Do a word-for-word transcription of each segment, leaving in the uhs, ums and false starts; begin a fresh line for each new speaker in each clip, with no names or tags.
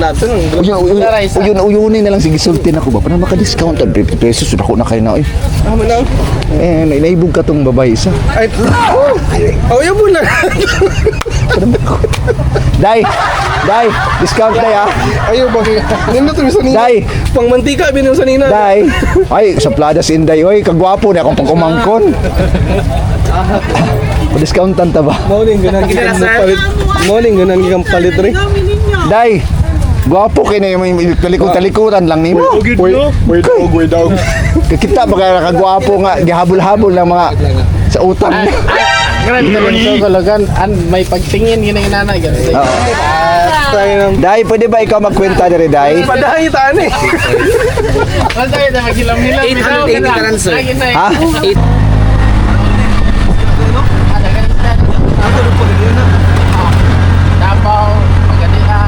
natin.
Uyun, uyunin na lang. Sige, sultin ako ba? Para maka-discount. fifty pesos. Ako na kayo na eh.
Ah, manang.
Eh, naibog ka tong babae isa.
Ay, oh, yun mo na.
Day! Day! Discount day ah!
Ayaw ba? Nindot rin sa nina.
Day!
Pang mantika, binong sa nina.
Day! Ay, sa Pladas Inday. Oy, kagwapo na akong pagkumangkon. Discountan ta ba?
Morning, ganun kikang palit. Morning, ganun kikang palit rin.
Day! Gwapo kayo na yung talikod-talikuran lang nimo.
Way dog, way dog.
Kita baka nakagwapo nga, gihabol-habol ng mga sa utang.
Grabe naman ito kalagan. An may pagtingin yun ang inanay.
Day, pwede ba ikaw magkwenta diri, Day?
Padahay taan eh.
Wala tayo na maghilam-hilam.
eight hundred eighty karan, sir.
Ha?
Tapaw, Pagadian.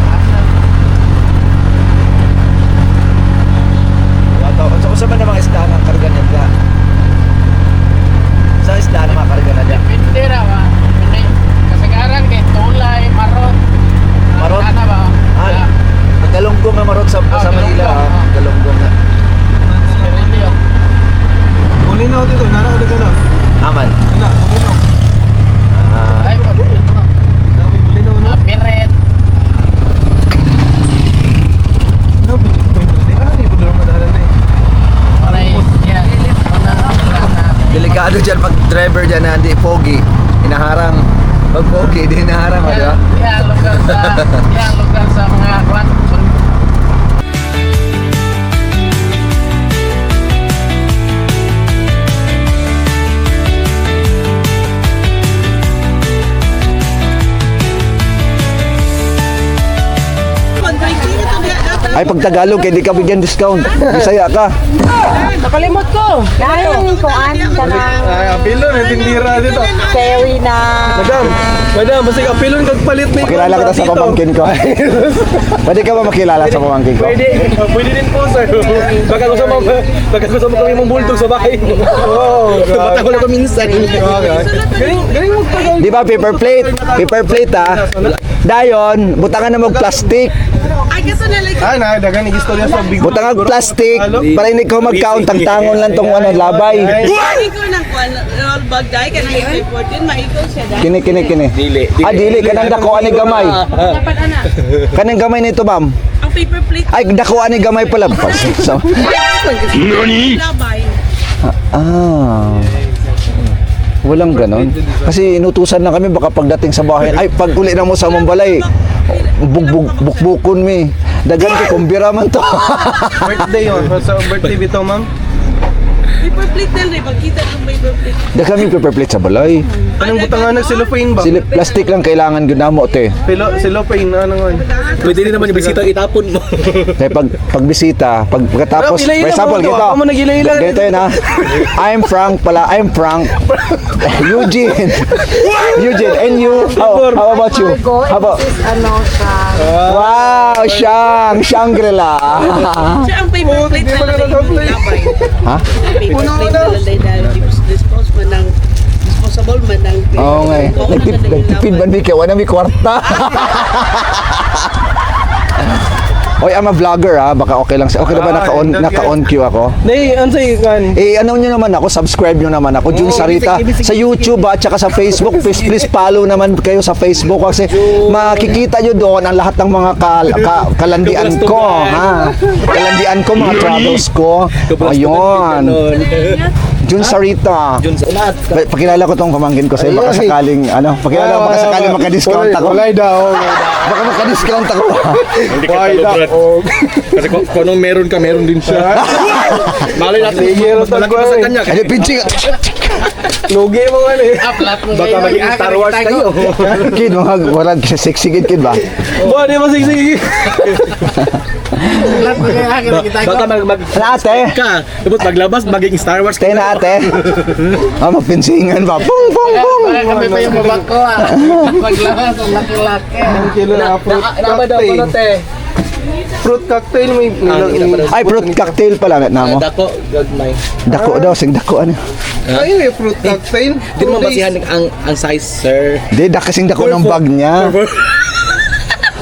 So, sa man namang isda ng karga nila? Sa isda ng mga karga nila?
Depende ra ba? Kasagaran kay tulay, marot.
Marot?
Ano ba?
Ah, ang galunggong na marot sa, sa Manila, ha? Ang galunggong na.
Sirilyo.
Uli na ako dito, nana ka na.
Aman.
Wala, uli na.
Ah,
Ay, pag
Uli na, uli na.
Piret.
Ano, ah, di po doon madahalan na eh.
Oray, yan.
delikado dyan pag driver dyan na hindi pogi. Inaharang. Pag pogi, hindi inaharang, di ba?
Yan, lugar sa, yan, lugar sa mga kwan.
Ay, pag Tagalog, hindi ka bigyan discount. Bisaya ka.
Nakalimot ko.
Dahil kuan ka na
Ay, apilon, eh, tindira dito.
sewi na
Madam, madam, basta apilon kag palit ni.
Makilala kita sa
dito.
pamangkin ko. Pwede ka ba makilala sa pamangkin ko?
Pwede, ah, pwede din po, sir. Baka ko sa mga, baka ko sa mga kami mong bulldog sa bahay. Oo, bata ko lang ko minsan. Galing, galing mo tagal.
Di ba paper plate? Paper plate ha? Dayon, butangan na mag plastic.
Ah, na, dagan istorya sa big.
Butangan mag plastic para hindi ko mag-count ang tangon lang tong ano, labay.
Ikaw ng kwan, roll bag dahil ka nang ito fourteen, maikaw siya dahil.
Kini kini kini. Dili. Ah, dili kanang dako ani gamay.
Dapat ana,
Kanang gamay nito, ma'am.
ang paper plate,
Ay, dako ani gamay pala. So,
labay.
ah. Walang ganon. Kasi inutusan na kami baka pagdating sa bahay, ay pag uli na mo sa Mambalay, bugbug bukbukon mi. Dagan ko kumbira man to.
Birthday yun. Sa birthday bito, ma'am.
Paper plate na rin, pagkita ng paper plate.
Dagan mi paper plate sa balay.
Anong butangan ng cellophane ba?
Sili plastic lang kailangan ginamo te.
Pilo, cellophane, ano nga.
Pwede rin naman yung bisita itapon mo.
Kaya pag pagbisita, pag pagkatapos,
Pero,
for example,
ilay-ilay mo,
gito.
ako mo nag-ilay-ilay.
Ganito yun ha. I'm Frank pala, I'm Frank. Eugene. Eugene, and you? How, how about you? How about?
is ano sa
Wow, Shang, Shangri-La.
Siya ang paper
Oh,
plate
hindi
na
pa
lalay
nagka-plate.
labay.
Ha?
Paper plate na lalay dahil dispose man ng disposable man ng
Oo nga eh. Nagtip, nagtipid man di kaya, wala may kwarta. Oy, I'm a vlogger ha, baka okay lang. Okay na ba
Ah,
naka-on,
okay.
naka-on cue ako?
Nay, ano sa'yo kan?
Eh, ano nyo naman ako, subscribe nyo naman ako, Jun
Oo,
Sarita,
ibig- ibig-
sa YouTube at saka sa Facebook. Please, please follow naman kayo sa Facebook kasi makikita nyo doon ang lahat ng mga kal ka- kalandian ko, ha? Kalandian ko, mga travels ko. Ayun. Jun Sarita. Pa- Pakilala ko tong pamangkin ko sa'yo, baka sakaling, ano, pakilala ko, baka sakaling makadiscount ako.
Walay daw.
Baka makadiscount ako.
Hindi ka
Walay
talo, Brad.
daw.
Kasi kung, kung anong meron ka, meron din siya. Malay natin,
Sige,
mas malaki pa sa kanya.
Ano, pinching.
Lugi mo nga eh.
Upload mo
Baka
ngayon.
maging Star Wars kayo.
Kid, mga warag sexy kid, kid ba?
Ba, di ba sige.
Upload mo ngayon. Akin nakita ko.
Baka mag, mag
Ano ate?
ka, tapos paglabas, magiging Star Wars
Tayo na ate. Ah, magpinsingan ba? Pung, pung, pung.
Baka kami pa yung babak ko ah. Paglabas, ang laki-laki.
Ang kilo na fruit cocktail. Fruit cocktail may may-
Ay, fruit cocktail pala na mo.
Dako, gagmay.
Dako daw, sing dako ano.
Ay, may fruit cocktail.
Hindi mo mabasihan ang, ang size, sir.
Di, da kasing dako ng bag niya.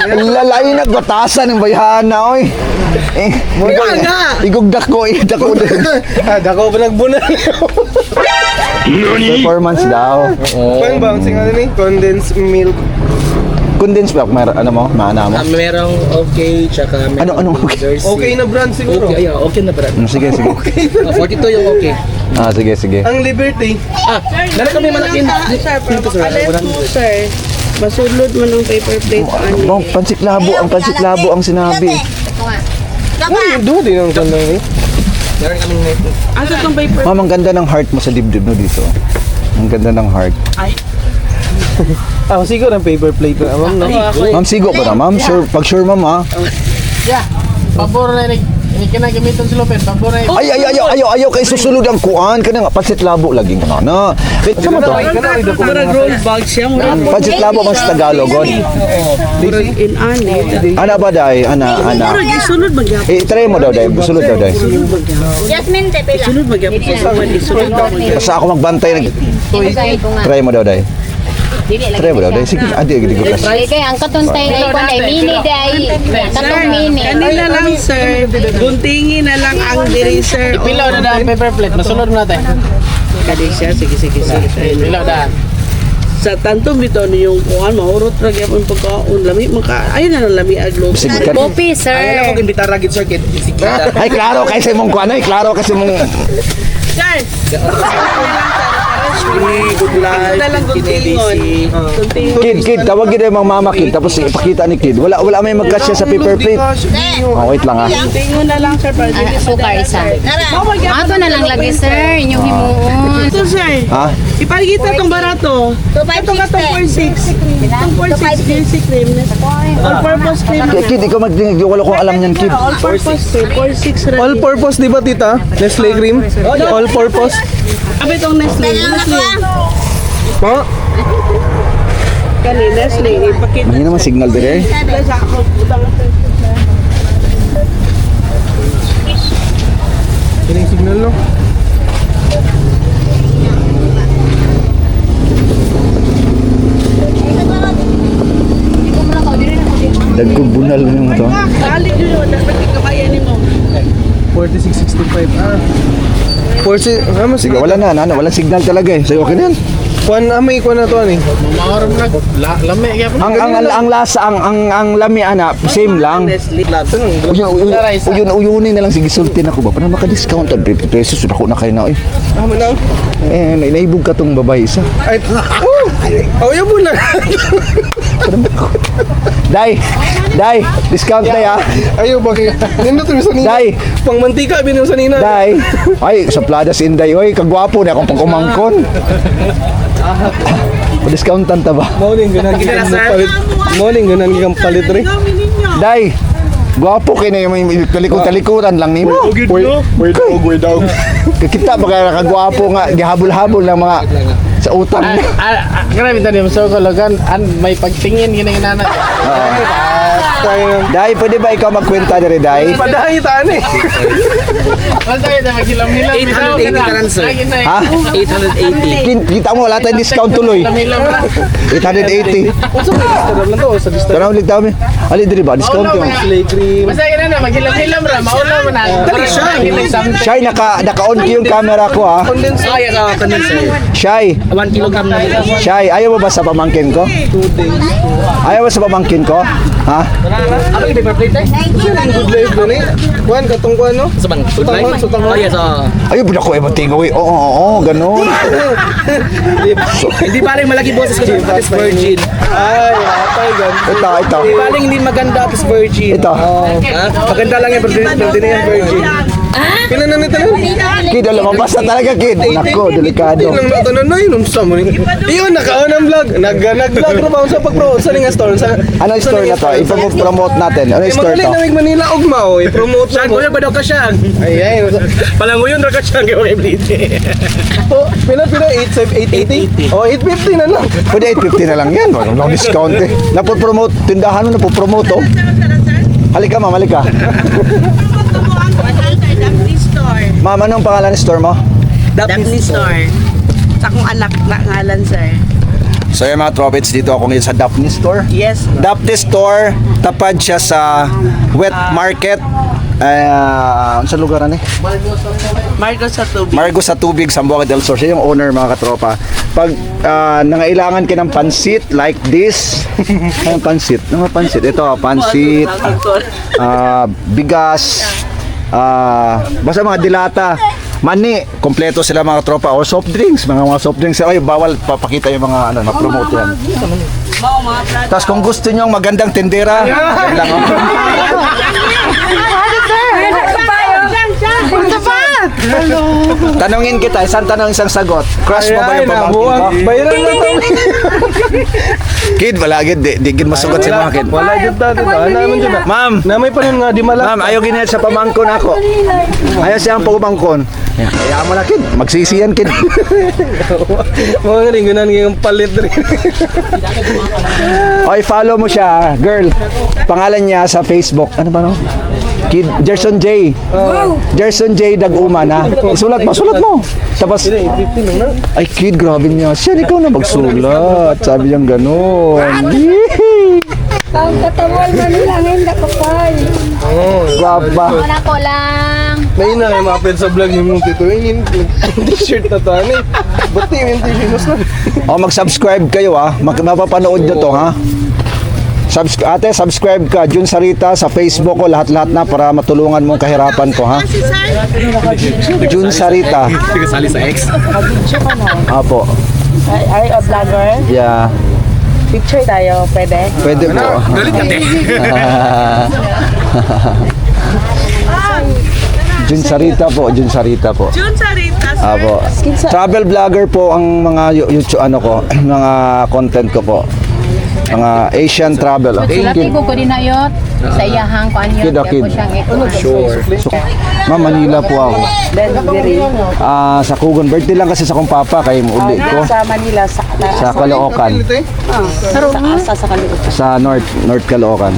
Lalay nagbatasan ng bayhana, oy. Eh, igog, igog dako, eh, dako din.
Ah, dako pa nagbunal.
Performance daw.
Pang bang sing ano ni? Condensed milk.
Condensed milk, mer ano mo, maana mo.
Ah, merong okay, tsaka merong
Ano, ano, okay?
Jersey.
Okay na brand siguro.
Okay, yeah, okay na brand.
Mm, sige, sige.
Ah, forty-two yung okay.
Ah, sige, sige.
Ang Liberty.
Ah, meron kami malaking
Sir,
dito sir.
pagpapalay
Walang-
po, sir. Masulod mo ng paper plate. Ano?
Bang, pansiklabo, ang pansiklabo ang sinabi.
Ay, do din ang kanda ni.
Meron kaming
Asa tong paper?
Ma'am, ang ganda ng heart mo sa dibdib mo dito. Ang ganda ng heart.
Ah, siguro ang paper plate na, ma'am, no?
Ma'am, sigo ba na, ma'am? Sure, pag sure, ma'am, ha?
Yeah. Pabor na rin. Hindi ka na gamitin si Lopez. Pabor na
Ay, ay, ayaw, ayaw, ayaw kay susulod ang kuan. Kana nga, pansiklabo lagi ka na. Na. Wait, sama to?
Murag roll bag siya. Murag
Pansiklabo man sa Tagalog, God.
murag in ani.
Ana ba, day? Ana, ana.
Murag isunod magyapon.
Eh, try mo daw, day. Sulod daw, day.
Jasmine, te, pila.
Isunod magyapon sa sawan. Isunod magyapon.
Basta ako magbantay. Nag... Try mo daw, day. Try mo daw, day. Sige, adi, adi, adi.
Kaya ang katuntay ay kung ay mini day. Katong mini.
Kanila lang, sir. Guntingin na lang ang diri, sir.
Pilaw na daan paper plate. Masunod natin.
Kadi siya. Sige, sige, sige.
Pilaw daan.
Sa tantong bito yung kuhan, mahurot ra gyapon pagkaon lami maka ayun na lang lami aglo.
Sige, ka.
Kopi, sir.
Imbitar ragit sir kid. Sikita.
Ay, klaro kasi mong kuan, ay, klaro kasi mong...
Sir. Good life. Na lang guntingon. Guntingon.
Kid, kid, tawag yun yung mga mama kid, tapos ipakita ni kid. Wala, wala may magkasya sa paper plate. Oh, wait lang, ha.
Guntingon na lang, sir. Para
Ah,
dili
sukar isa. Ato na lang lagi, sir. Inyong himuon.
Ito, sir.
Ha?
Ipagita tong barato. Ito ka tong four six. Itong four six Jersey cream. All purpose cream.
Kid, kid, ikaw magdinig, wala kong alam niyan, kid.
All purpose, sir. four six ready.
All purpose, di ba, tita? Nestle cream? All purpose.
Abi tong Nestle. Nestle.
Ma?
Kani Nestle. Ipakita.
Mahina naman signal din eh.
Sa ako. Utang sir.
Yan yung signal, no?
Dagkog bunal yung ito.
Kalit yun yun. Dapat ikabayan ni mo.
forty-six sixty-five. Ah. forty, ah, mas
Sige, wala na, ano, walang signal talaga eh. So, okay na yan.
Kuan, ah, may kuan na to, ani.
Maoram na. La- Lami. Kaya po.
Ang, ang, ang, ang lasa, ang, ang, ang lami, ana, same lang.
Nestle.
Uyun, uyun, uyun, uyunin na lang, sige, sultin ako ba? Para maka-discount, fifty pesos, ako na kayo na, eh.
Ah, man lang.
Eh, na- naibog ka tong babae isa.
Ay, oh! Oh, yung muna.
Day, day, discount day ah.
Ayaw, bakit? Nindot rin sa nina.
Day.
Pang mantika, binong sa nina.
Day, ay, sa Pladas Inday, oy, kagwapo na akong pagkumangkon. Pa-discountan ta ba?
Morning, ganun kikang palit. Morning, ganun kikang palit rin.
Day, gwapo kayo na yung talikod-talikuran lang nimo.
Way dog, way dog.
Kita ba kaya kagwapo nga, gihabol-habol ng mga sa utang.
Ah, ah, ah, grabe tani mo so kologan an may pagtingin ginang-inana.
Day, pwede ba ikaw magkwenta diri, Day?
Padahay taan eh.
Wala tayo na maghilam-hilam.
eight hundred eighty ka lang, sir.
Ha?
eight eighty.
Kin- Kita mo, wala tayong discount tuloy.
Hilam-hilam na.
eight eighty.
Sa Instagram lang to, sa Instagram.
Tanaw ulit dami. Ali diri ba? Discount
Maulaw
yung.
na.
Slay cream.
Basta yun na, maghilam-hilam ra. Maulaw mo na. Dali siya.
Shy, naka, naka-on ko yung camera ko ha.
Condensed.
Ay, ako kanin, sir.
Shy,
one kilogram na.
Shy, ayaw mo ba sa pamangkin ko?
Two days.
Ayaw mo sa pamangkin ko? Ha?
Ano yung paper plate, eh?
Good life doon eh. Kuan, katong kuan, no?
Sa bang?
Sutang man, sutang man.
Oh, yes, oh.
Ayaw, budak ko eh, matingaw eh. Oo, oo, oo, ganun.
Hindi paling malaki boses ko tapos virgin.
Ay, atay, gan.
Ito, ito.
Hindi paling hindi maganda tapos virgin.
Ito.
Ha? Maganda lang yan, pero hindi na yan virgin.
Kailan na nito nun?
Kid, alam mo, basta talaga, kid. Nako, delikado.
Lang na tanan na yun, sa mo ni. Iyon, nakaon ang vlog. Nag, nag-vlog na ba sa pag-promote sa nga store? Sa,
Ano yung store na to? Ipapromote natin. Ano
Eh,
yung store
magaling
to?
na Wig Manila, ugma, oh. I-promote
Saan
mo.
ko ba daw ka siya?
Ay, ay.
Palanguyon ra ka siya kay Wave
Oh, pila, pila, eight eighty? Oh, eight fifty na lang.
Pwede eight fifty na lang yan. Walang no discount eh. Napopromote, tindahan mo napopromote oh. Halika ma'am, halika.
Daphne Store.
Ma'am, anong pangalan ng store mo?
Daphne Store. Sa akong anak na ngalan, sir.
So yung mga tropits, dito ako ngayon sa Daphne Store.
Yes.
Daphne Store, tapad siya sa Wet Market. Uh, sa lugar ano eh?
Marco sa tubig.
Margo sa Tubig, Zamboanga del Sur. Siya yung owner, mga katropa. Pag ah, nangailangan ka ng pansit like this, ano pansit? Ano pansit? Ito, pansit, ah, bigas, ah, basta mga dilata, mani, kompleto sila mga tropa, or soft drinks, mga mga soft drinks. Ay, bawal papakita yung mga ano, na-promote yan. Tapos kung gusto nyo magandang tindera, yan lang. Oh. Tanungin kita, isang tanong, isang sagot. Crush mo ba yung pamangkin mo?
Bayaran na to.
Kid, wala gid, di, di gid masugot si mga kid.
Wala dyan tayo. Ano naman dyan?
Ma'am,
Namay pa rin nga, di malak.
ma'am, ayaw ginit sa pamangkon ako. Ayaw siyang pamangkon. Kaya mo na kid, magsisiyan kid.
Mga nga rin, ganun yung palit rin.
Oy, follow mo siya, girl. Pangalan niya sa Facebook. Ano ba no? Kid Gerson J. Gerson J Daguma na. Sulat mo, sulat mo. Tapos ay kid, grabe niya. Siya ikaw na magsulat. Sabi niyang gano'n.
Ang katawal man lang, hindi ko pa.
Baba.
Wala ko lang.
May ina kayo makapit sa vlog yung tituingin. T-shirt na to. Ano eh. Ba't yung T-shirt mo sa?
O mag-subscribe kayo ah. Mag mapapanood nyo to ha. Subs ate, subscribe ka. Jun Sarita sa Facebook ko. Lahat-lahat na para matulungan mong kahirapan ko ha. Jun Sarita.
Kasali sa ex.
Apo.
Ay, a vlogger.
Yeah.
Picture tayo, pwede?
Pwede po.
Galit ka, te.
Jun Sarita po. Jun Sarita po.
Jun Sarita, sir.
Apo. Travel vlogger po ang mga yu- YouTube ano ko, mga content ko po. Mga Asian travel.
Sulati ko ko din na yun. Sa iyahang ko anyo.
Kid,
Kaya
kid.
ko siyang ito.
Sure. So, Ma'am, Manila po ako.
Denver.
Ah, sa Kugon. Birthday lang kasi sa kong papa kay uli ko.
Sa Manila, sa,
Sa Caloocan.
sa, sa, sa Caloocan.
Sa North North Caloocan.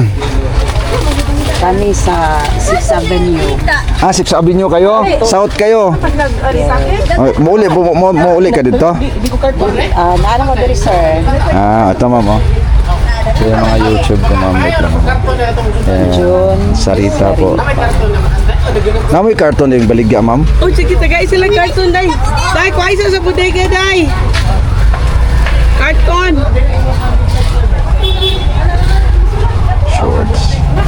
Kami sa sixth Avenue.
Ah, sixth Avenue kayo? South kayo? Oh, mauli, mo, mo, mauli ka dito?
Ah, naano mo diri, sir?
Ah, ito ma'am oh. Ito yung mga YouTube ko ma'am. Wait lang. Ayan, Sarita po. Namoy karton yung baligya ma'am?
Oh, sige, tagay silang cartoon, day. Day, kuha isa sa bodega, day. Cartoon.
Shorts.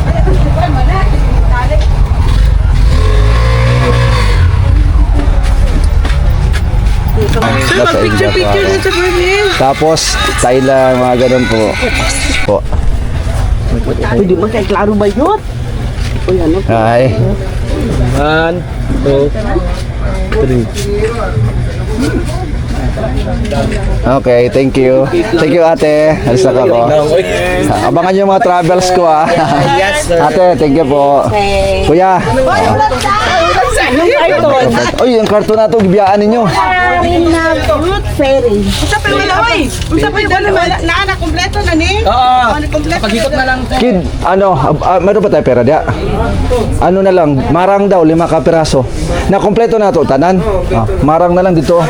Sir, mag-picture-picture na sa profile.
Tapos, Thailand, mga ganun po. Po.
Pwede mo kay klaro ba yun? Uy, ano?
Ay.
One, two, three.
Okay, thank you. Thank you, ate. Alis na ako. Abangan yung mga travels ko, ah. Ate, thank you po. Kuya. Uy, yung karton na ito, bibiyaan ninyo.
Fruit fairy. Usa pa wala, oy. Usa pa wala na na kompleto na ni.
Oo.
Kompleto.
Pag-ikot na lang.
Kid, ano, uh, meron ba tayo pera diya? Ano na lang, marang daw, lima ka piraso. Na kompleto na to, tanan. Ah, marang na lang dito.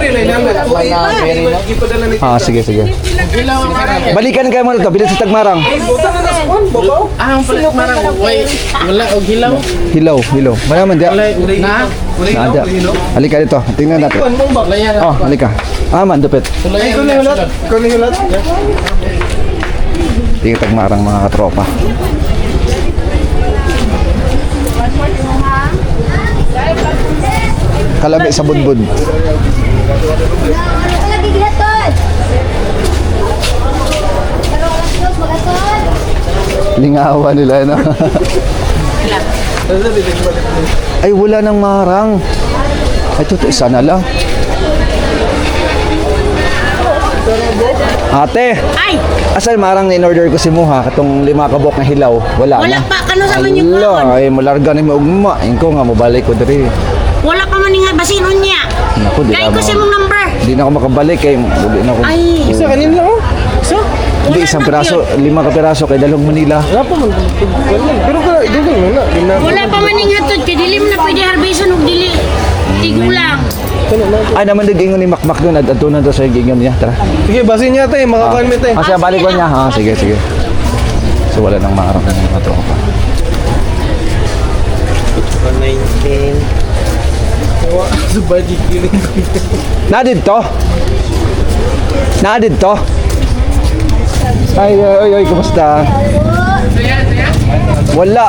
Ah, sige, sige. Balikan kayo muna to, bilis sa tagmarang.
Ah, ang palit marang. Wait, wala og hilaw.
Hilaw, hilaw. Mayaman diya.
Na.
Nada. Halika dito, tingnan natin. Oh, halika. Ah, man, dupit.
Ay, kunin ulit.
Kunin ulit.
Tingnan tagmarang mga katropa. Kalabi sa budbud.
Lagi gilaton.
Lingawan nila, no? Ay, wala nang marang. Ay, ito, ito, isa na lang. Ate!
Ay!
Asan marang na in-order ko si Muha, katong lima kabok na hilaw. Wala,
Wala
na.
pa, kano sa man yung
Ala, ay, malarga na yung ugma. Inko nga, mabalik ko diri.
Wala pa man nga basinon niya.
Naku, di
Kaya
na
ko si
mo.
mong number.
Di na ako makabalik, kay uli na ako.
Ay.
Isa kanin lang oh.
So,
Hindi, isang piraso, lima ka piraso kay Dalong Manila.
Wala pa man. Pero ka, doon lang na.
wala pa man nga hatod. Kaya dili mo na pwede harbisan og dili. Tigulang.
Ay naman nag-ingon ni Makmak doon. At doon na doon sa gingon niya. Tara.
Sige, basin niya tayo, makakuan mo tayo.
Ah, siya balik ko niya. Ha, sige, sige. So wala nang maarap na mga tropa.
nineteen. Subay kikiling ko.
Nadid to? Nadid to? Ay, ay, ay, ay, kumusta? Wala.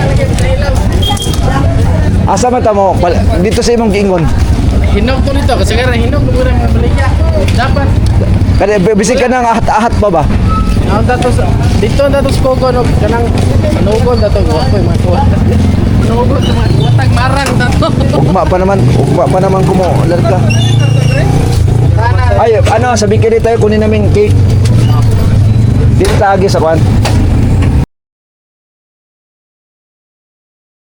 Asa mata mo? Pal- Dito sa imong giingon.
Hinog ko nito kasi kaya hinog ko rin ang baligya. Dapat.
Kada bisig ka nang ahat-ahat pa ba?
Ang datos dito ang datos ko ko no kanang manugod dato ko ko makuha. Manugod sa mga watag marang dato.
Ugma pa naman, ugma pa naman kumo. Larga. Ay, ano, sabi ka tayo kunin namin cake. Dito taagi sa kwan.